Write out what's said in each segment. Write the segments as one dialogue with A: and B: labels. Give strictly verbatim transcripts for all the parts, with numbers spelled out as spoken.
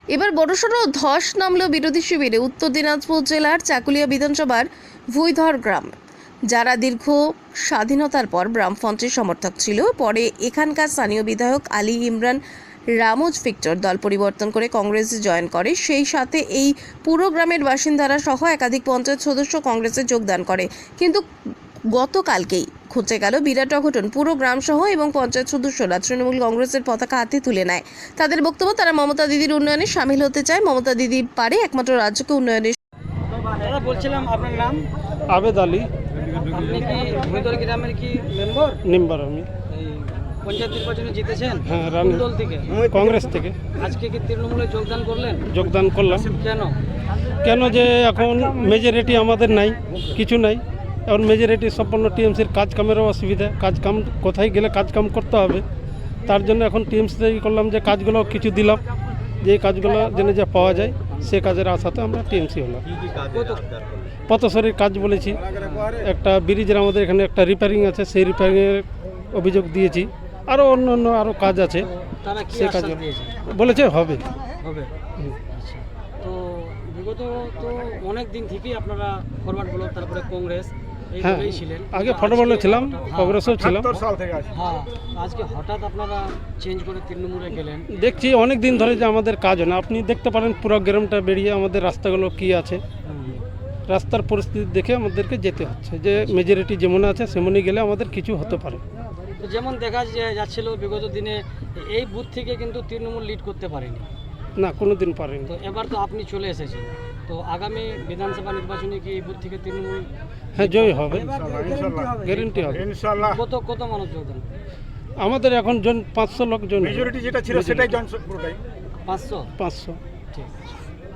A: এবার বড়সড় ধস নামল বিরোধী শিবিরে উত্তর দিনাজপুর জেলার চাকুলিয়া বিধানসভার ভুইধর গ্রাম। যারা দীর্ঘ স্বাধীনতার পর বামফ্রন্টের সমর্থক ছিল, পরে এখানকার স্থানীয় বিধায়ক আলী ইমরান রামোজ ভিক্টর দল পরিবর্তন করে কংগ্রেসে জয়েন করে। সেই সাথে এই পুরো গ্রামের বাসিন্দারা সহ একাধিক পঞ্চায়েত সদস্য কংগ্রেসে যোগদান করে। কিন্তু গতকালকেই ঘটে গেল বিরাট অঘটন। পুরো গ্রাম সহ এবং পঞ্চায়েত সদস্যরা তৃণমূল কংগ্রেসের পতাকা হাতে তুলে নেয়। তাদের বক্তব্য, তারা মমতা দিদির উন্নয়নে সামিল হতে চায়। মমতা দিদি পারে একমাত্র রাজ্যকে উন্নয়নে।
B: দাদা বলছিলাম আপনার নাম?
C: আবেদ আলী।
B: আপনি কি ভুইধর গ্রামের কি মেম্বার?
C: মেম্বার আমি।
B: এই পঞ্চায়েত নির্বাচনে জিতেছেন?
C: হ্যাঁ,
B: কোন
C: রানী
B: দল থেকে?
C: কংগ্রেস থেকে
B: আজকে কি তৃণমূলে যোগদান করলেন?
C: যোগদান করলাম।
B: কেন?
C: কেন যে এখন মেজরিটি আমাদের নাই, কিছু নাই। এখন মেজরিটি সম্পন্ন টিএমসির কাজ কামেরও অসুবিধা, কাজ কাম কোথায় গেলে কাজ কাম করতে হবে, তার জন্য এখন টিএমসিতে করলাম যে কাজগুলো কিছু দিলাম, যে কাজগুলো যেন যা পাওয়া যায় সে কাজের আশাতে আমরা টিএমসি হলাম। পথসরির কাজ বলেছি, একটা ব্রিজের আমাদের এখানে একটা রিপেয়ারিং আছে, সেই রিপেয়ারিংয়ের অভিযোগ দিয়েছি। আরও অন্য অন্য আরও কাজ আছে,
B: তারা কি
C: সে
B: আশ্বাস
C: কাজ
B: দিয়েছে?
C: বলেছে হবে।
B: হবে। আচ্ছা, তো বিগত তো অনেক দিন থেকেই আপনারা ফরওয়ার্ড ব্লক, তারপরে কংগ্রেস
C: হ্যাঁ,
B: এইভাবেই ছিলেন।
C: আগে
B: কিন্তু
C: ফুটবলে
B: আজকে
C: ছিলাম,
B: হঠাৎ-
C: কংগ্রেসও ছিলাম।
B: হ্যাঁ, আজকে হঠাৎ আপনারা চেঞ্জ করে তৃণমূলে গেলেন।
C: দেখছি অনেক দিন ধরে যে আমাদের কাজ হয় না। আপনি দেখতে পারেন পুরো গ্রামটা বেরিয়ে আমাদের রাস্তাগুলো কি আছে, রাস্তার পরিস্থিতি দেখে আমাদেরকে যেতে হচ্ছে যে মেজরিটি যেমন আছে সেমনই গেলে আমাদের কিছু হতে পারে।
B: তো যেমন দেখা যে- যাচ্ছিল বিগত দিনে এই বুথ থেকে কিন্তু তৃণমূল লিড করতে পারেনি।
C: না, কোনো দিন পারেনি।
B: তো এবার তো আপনি চলে এসেছেন, তো আগামী বিধানসভা নির্বাচনে কি এই বুথ থেকে তৃণমূল
C: হ্যাঁ, জয় হবে, গ্যারেন্টি হবে।
B: কত কত মানুষ যোগদান?
C: আমাদের এখন জন পাঁচশো লোক জন,
D: মেজরিটি যেটা ছিল সেটাই জন পুরোটাই
B: পাঁচশো?
C: পাঁচশো।
B: ঠিক আছে,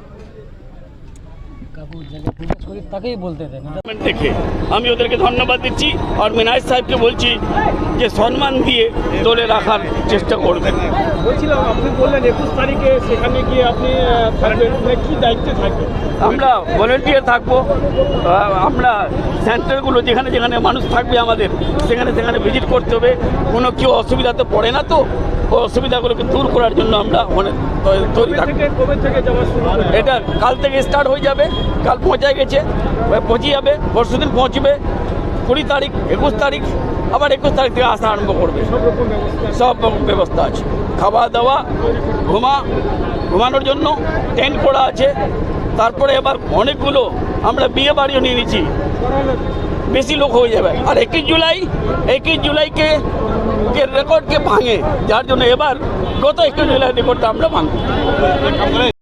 B: কাকু যাকে জিজ্ঞেস করি তাকেই বলতে দেন।
E: দেখে আমি ওদেরকে ধন্যবাদ দিচ্ছি আর মিনাজ সাহেবকে বলছি যে সম্মান দিয়ে তোলে রাখার চেষ্টা করবেন।
D: বলছিলাম, আপনি বললেন একুশ তারিখে সেখানে গিয়ে আপনি থাকবেন, কি দায়িত্বে থাকবেন?
E: আমরা ভলেন্টিয়ার থাকবো, আহ, আমরা সেন্টারগুলো যেখানে যেখানে মানুষ থাকবে আমাদের সেখানে সেখানে ভিজিট করতে হবে। কোনো কেউ অসুবিধাতে পড়ে না, তো ওই অসুবিধাগুলোকে দূর করার জন্য আমরা অনেক তৈরি থাকবো।
D: কবে থেকে যাওয়া শুরু হবে?
E: এটা কাল থেকে স্টার্ট হয়ে যাবে, কাল পৌঁছায় গেছে, পৌঁছে যাবে, পরশু দিন পৌঁছবে, কুড়ি তারিখ, একুশ তারিখ, আবার একুশ তারিখ থেকে আসা আরম্ভ করবে।
D: সব রকম ব্যবস্থা
E: সব রকম ব্যবস্থা আছে, খাওয়া দাওয়া, ঘুমা ঘুমানোর জন্য টেন্ট করা আছে। তারপরে এবার অনেকগুলো আমরা বিয়ে বাড়িও নিয়ে নিচ্ছি, বেশি লোক হয়ে যাবে। আর একুশ জুলাই একুশ জুলাইকে কে রেকর্ডকে ভাঙে, যার জন্য এবার গত একুশ জুলাই রেকর্ডটা আমরা ভাঙব।